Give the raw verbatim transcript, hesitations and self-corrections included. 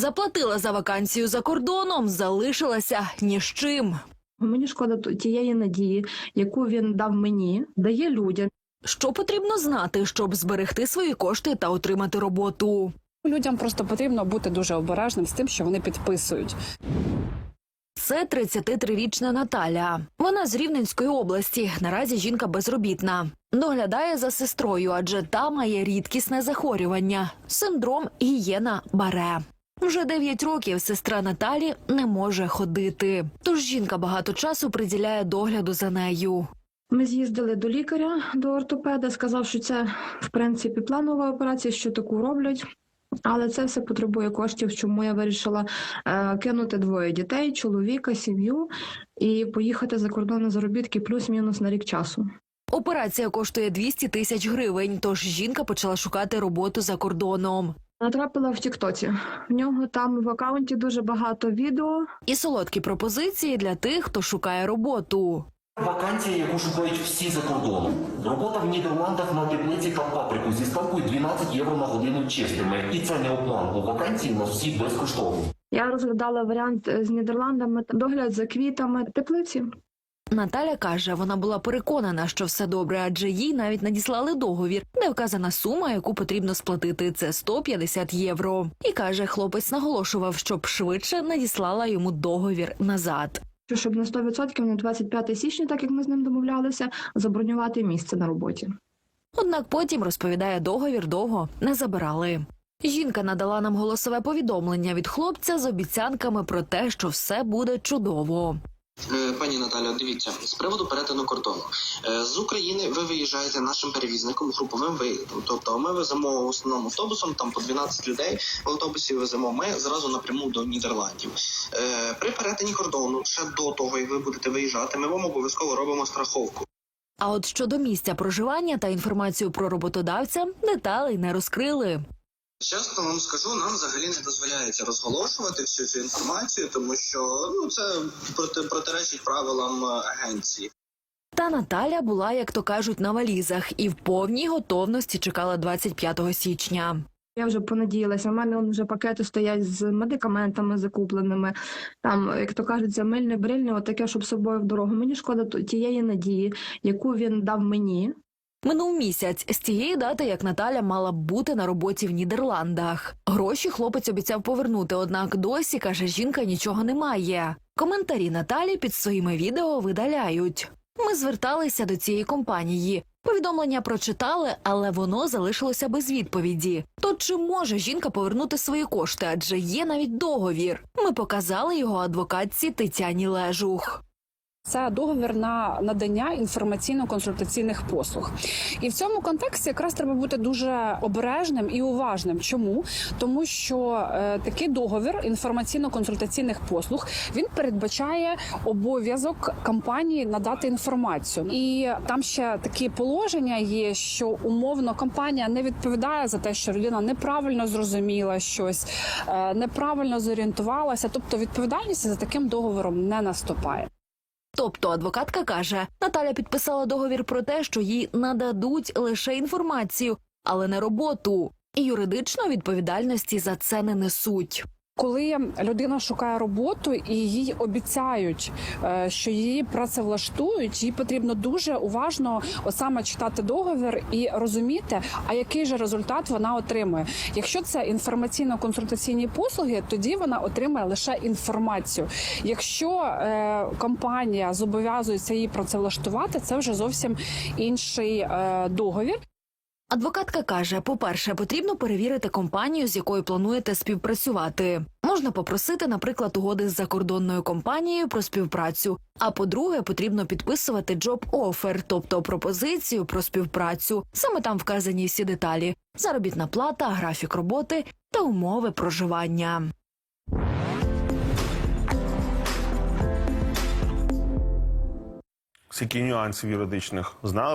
Заплатила за вакансію за кордоном, залишилася ні з чим. Мені шкода тієї надії, яку він дав мені, дає людям. Що потрібно знати, щоб зберегти свої кошти та отримати роботу? Людям просто потрібно бути дуже обережним з тим, що вони підписують. Це тридцятитрирічна Наталя. Вона з Рівненської області. Наразі жінка безробітна. Доглядає за сестрою, адже та має рідкісне захворювання – синдром Гієна-Баре. Вже дев'ять років сестра Наталі не може ходити. Тож жінка багато часу приділяє догляду за нею. Ми з'їздили до лікаря, до ортопеда, сказав, що це, в принципі, планова операція, що таку роблять. Але це все потребує коштів, чому я вирішила е, кинути двоє дітей, чоловіка, сім'ю і поїхати за кордон на заробітки плюс-мінус на рік часу. Операція коштує двісті тисяч гривень, тож жінка почала шукати роботу за кордоном. Натрапила в тіктоці. В нього там в акаунті дуже багато відео. І солодкі пропозиції для тих, хто шукає роботу. Вакансія, яку шукають всі за кордоном. Робота в Нідерландах на теплиці та паприку зі ставкою дванадцять євро на годину чистими. І це не обман, бо вакансії у нас всі безкоштовні. Я розглядала варіант з Нідерландами, догляд за квітами, теплиці. Наталя каже, вона була переконана, що все добре, адже їй навіть надіслали договір, де вказана сума, яку потрібно сплатити – це сто п'ятдесят євро. І каже, хлопець наголошував, щоб швидше надіслала йому договір назад. Щоб на сто відсотків на двадцять п'яте січня, так як ми з ним домовлялися, забронювати місце на роботі. Однак потім, розповідає, договір довго не забирали. Жінка надала нам голосове повідомлення від хлопця з обіцянками про те, що все буде чудово. Пані Наталя, дивіться, з приводу перетину кордону. З України ви виїжджаєте нашим перевізником, груповим виїздом. Тобто ми веземо в основному автобусом, там по дванадцять людей в автобусі веземо ми зразу напряму до Нідерландів. При перетині кордону, ще до того, як ви будете виїжджати, ми вам обов'язково робимо страховку. А от щодо місця проживання та інформацію про роботодавця деталей не розкрили. Чесно вам скажу, нам взагалі не дозволяється розголошувати всю цю інформацію, тому що ну це проти, протиречить правилам агенції. Та Наталя була, як то кажуть, на валізах і в повній готовності чекала двадцять п'ятого січня. Я вже понадіялася, у мене вже пакети стоять з медикаментами закупленими, там, як то кажуть, замильне, брильне, отаке, щоб з собою в дорогу. Мені шкода тієї надії, яку він дав мені. Минув місяць з тієї дати, як Наталя мала б бути на роботі в Нідерландах. Гроші хлопець обіцяв повернути, однак досі, каже, жінка нічого не має. Коментарі Наталі під своїми відео видаляють. Ми зверталися до цієї компанії. Повідомлення прочитали, але воно залишилося без відповіді. То чи може жінка повернути свої кошти, адже є навіть договір? Ми показали його адвокатці Тетяні Лежух. Це договір на надання інформаційно-консультаційних послуг. І в цьому контексті якраз треба бути дуже обережним і уважним. Чому? Тому що е, такий договір інформаційно-консультаційних послуг, він передбачає обов'язок компанії надати інформацію. І там ще такі положення є, що умовно компанія не відповідає за те, що людина неправильно зрозуміла щось, е, неправильно зорієнтувалася, тобто відповідальність за таким договором не наступає. Тобто адвокатка каже, Наталя підписала договір про те, що їй нададуть лише інформацію, але не роботу. І юридично відповідальності за це не несуть. Коли людина шукає роботу і їй обіцяють, що її працевлаштують, їй потрібно дуже уважно саме читати договір і розуміти, а який же результат вона отримує. Якщо це інформаційно-консультаційні послуги, тоді вона отримає лише інформацію. Якщо е, компанія зобов'язується її працевлаштувати, це вже зовсім інший е, договір. Адвокатка каже, по-перше, потрібно перевірити компанію, з якою плануєте співпрацювати. Можна попросити, наприклад, угоди з закордонною компанією про співпрацю. А по-друге, потрібно підписувати job-offer, тобто пропозицію про співпрацю. Саме там вказані всі деталі – заробітна плата, графік роботи та умови проживання. Скільки нюансів юридичних знали?